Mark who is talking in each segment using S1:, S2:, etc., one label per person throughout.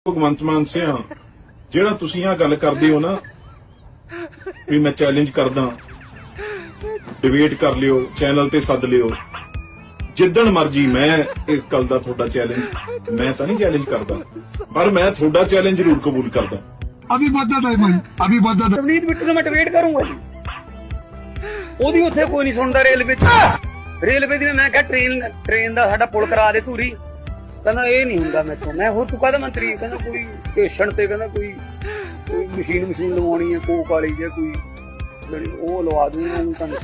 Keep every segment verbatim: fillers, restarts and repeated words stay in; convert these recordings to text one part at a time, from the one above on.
S1: ਭਗਵੰਤ ਮਾਨ ਸਿਆ ਜਿਹੜਾ ਤੁਸੀਂ ਆ ਗੱਲ ਕਰਦੇ ਹੋ ਨਾ ਵੀ ਮੈਂ ਚੈਲੰਜ ਕਰਦਾ, ਡਿਬੇਟ ਕਰ ਲਿਓ, ਚੈਨਲ ਤੇ ਸੱਦ ਲਿਓ, ਜਿੱਦਣ ਮਰਜੀ ਮੈਂ ਇਸ ਗੱਲ ਦਾ ਤੁਹਾਡਾ ਚੈਲੰਜ, ਮੈਂ ਤਾਂ ਨਹੀਂ ਚੈਲੰਜ ਕਰਦਾ, ਪਰ ਮੈਂ ਤੁਹਾਡਾ ਚੈਲੰਜ ਜ਼ਰੂਰ ਕਬੂਲ ਕਰਦਾ।
S2: अभी बदत है भाई, अभी बदत है।
S3: ਨਵਨੀਤ ਬਿੱਟੂ ਨੂੰ ਮੈਂ ਡਿਬੇਟ ਕਰੂੰਗਾ ਜੀ, ਉਹਦੀ ਉੱਥੇ ਕੋਈ ਨਹੀਂ ਸੁਣਦਾ। ਰੇਲਵੇ ਚ ਰੇਲਵੇ ਦੀ ਮੈਂ ਕਿਹਾ ਟ੍ਰੇਨ ਟ੍ਰੇਨ ਦਾ ਸਾਡਾ ਪੁਲ ਕਰਾ ਦੇ ਧੂਰੀ, ਕਹਿੰਦਾ ਇਹ ਨਹੀਂ ਹੁੰਦਾ ਮੈਥੋਂ। ਮੈਂ ਹੋਰ ਤੂੰ ਕਾਹਦਾ ਮੰਤਰੀ? ਕਹਿੰਦਾ ਕੋਈ ਸਟੇਸ਼ਨ ਤੇ ਕਹਿੰਦਾ ਕੋਈ ਕੋਈ ਮਸ਼ੀਨ ਮਸ਼ੀਨ ਲਵਾਉਣੀ ਹੈ ਕੋਕ ਵਾਲੀ ਜਾਂ ਕੋਈ ਜਿਹੜੀ ਉਹ ਲਵਾ ਦੂੰਗਾ ਉਹਨੂੰ। ਤੁਹਾਨੂੰ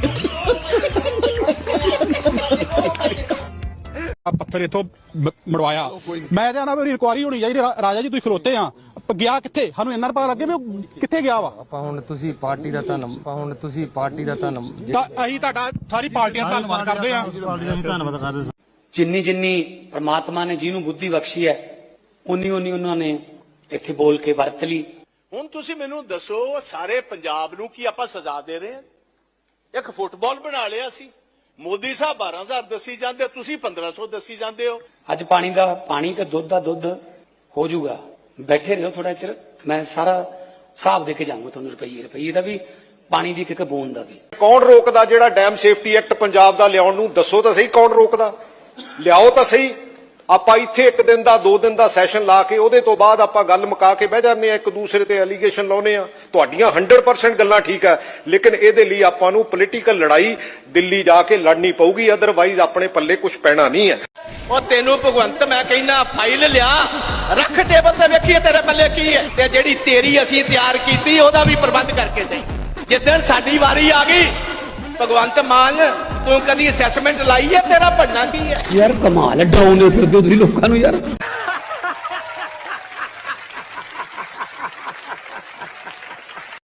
S4: ਪੱਥਰ ਇਥੋਂ ਮੜਵਾਇਆ, ਮੈਂ ਤੇ ਨਾ ਮੇਰੀ ਇਨਕੁਆਰੀ ਹੋਣੀ ਚਾਹੀਦੀ। ਰਾਜਾ ਜੀ ਤੁਸੀਂ ਖਲੋਤੇ ਆ, ਗਿਆ ਕਿੱਥੇ? ਸਾਨੂੰ ਇੰਨਾ ਪਤਾ ਲੱਗੇ ਵੀ ਉਹ ਕਿੱਥੇ ਗਿਆ ਵਾ।
S5: ਆਪਾਂ ਹੁਣ ਤੁਸੀਂ ਪਾਰਟੀ ਦਾ ਧੰਨ ਆਪਾਂ ਹੁਣ ਤੁਸੀਂ ਪਾਰਟੀ ਦਾ ਧੰਨ
S4: ਤਾਂ ਅਸੀਂ ਤੁਹਾਡਾ ਸਾਰੀ ਪਾਰਟੀਆਂ ਦਾ ਧੰਨਵਾਦ ਕਰਦੇ ਆ।
S5: ਧੰਨਵਾਦ ਕਰਦੇ।
S3: ਜਿੰਨੀ ਜਿੰਨੀ ਪ੍ਰਮਾਤਮਾ ਨੇ ਜਿਹਨੂੰ ਬੁੱਧੀ ਬਖਸ਼ੀ ਹੈ ਉਨੀ ਉਨੀ ਉਹਨਾਂ ਨੇ ਇੱਥੇ ਬੋਲ ਕੇ ਵਰਤ ਲਈ।
S6: ਹੁਣ ਤੁਸੀਂ ਮੈਨੂੰ ਦੱਸੋ, ਸਾਰੇ ਪੰਜਾਬ ਨੂੰ ਕੀ ਆਪਾਂ ਸਜ਼ਾ ਦੇ ਰਹੇ ਹਾਂ? ਇੱਕ ਫੁੱਟਬਾਲ ਬਣਾ ਲਿਆ ਸੀ, ਮੋਦੀ ਸਾਹਿਬ ਬਾਰਾਂ ਹਜ਼ਾਰ ਦੱਸੀ ਜਾਂਦੇ, ਤੁਸੀਂ ਪੰਦਰਾਂ ਸੌ ਦੱਸੀ ਜਾਂਦੇ ਹੋ।
S3: ਅੱਜ ਪਾਣੀ ਦਾ ਪਾਣੀ ਤੇ ਦੁੱਧ ਦਾ ਦੁੱਧ ਹੋ ਜਾਊਗਾ। ਬੈਠੇ ਰਹੋ ਥੋੜਾ ਚਿਰ, ਮੈਂ ਸਾਰਾ ਹਿਸਾਬ ਦੇ ਕੇ ਜਾਊਂਗਾ ਤੁਹਾਨੂੰ, ਰੁਪਈਏ ਰੁਪਈਏ ਦਾ ਵੀ, ਪਾਣੀ ਦੀ ਇੱਕ ਇੱਕ ਬੂੰਦ ਦਾ ਵੀ।
S6: ਕੌਣ ਰੋਕਦਾ ਜਿਹੜਾ ਡੈਮ ਸੇਫਟੀ ਐਕਟ ਪੰਜਾਬ ਦਾ ਲਿਆਉਣ ਨੂੰ? ਦੱਸੋ ਤਾਂ ਸਹੀ, ਕੌਣ ਰੋਕਦਾ? ਲਿਆਓ ਤਾਂ ਸਹੀ। ਆਪਾਂ ਇੱਥੇ ਇੱਕ ਦਿਨ ਦਾ ਦੋ ਦਿਨ ਦਾ ਸੈਸ਼ਨ ਲਾ ਕੇ ਉਹਦੇ ਤੋਂ ਬਾਅਦ ਆਪਾਂ ਗੱਲ ਮੁਕਾ ਕੇ ਬਹਿ ਜਾਂਦੇ ਆ, ਇੱਕ ਦੂਸਰੇ ਤੇ ਐਲੀਗੇਸ਼ਨ ਲਾਉਨੇ ਆ। ਤੁਹਾਡੀਆਂ ਹੰਡਰਡ ਪਰਸੈਂਟ ਗੱਲਾਂ ਠੀਕ ਹੈ, ਲੇਕਿਨ ਇਹਦੇ ਲਈ ਆਪਾਂ ਨੂੰ ਪੋਲੀਟੀਕਲ ਲੜਾਈ ਦਿੱਲੀ ਜਾ ਕੇ ਲੜਨੀ ਪਊਗੀ, ਅਦਰਵਾਈਜ਼ ਆਪਣੇ ਪੱਲੇ ਕੁਝ ਪੈਣਾ ਨਹੀਂ ਹੈ। ਉਹ ਤੈਨੂੰ ਭਗਵੰਤ ਮੈਂ ਕਹਿੰਦਾ ਫਾਈਲ ਲਿਆ, ਰੱਖ ਟੇਬਲ ਤੇ, ਵੇਖੀਏ ਤੇਰੇ ਪੱਲੇ ਕੀ ਹੈ, ਤੇ ਜਿਹੜੀ ਤੇਰੀ ਅਸੀਂ ਤਿਆਰ ਕੀਤੀ ਉਹਦਾ ਵੀ ਪ੍ਰਬੰਧ ਕਰਕੇ ਦੇ। ਜਿੱਦਣ ਸਾਡੀ ਵਾਰੀ ਆ ਗਈ ਭਗਵੰਤ ਮਾਨ, ਤੂੰ ਕਦੀ ਅਸੈਸਮੈਂਟ ਲਾਈ ਹੈ? ਤੇਰਾ ਬਣਨਾ ਕੀ ਹੈ?
S3: ਯਾਰ ਕਮਾਲ ਹੈ, ਡਰਾਉਂਦੇ ਫਿਰਦੇ ਤੁਸੀਂ ਲੋਕਾਂ ਨੂੰ ਯਾਰ।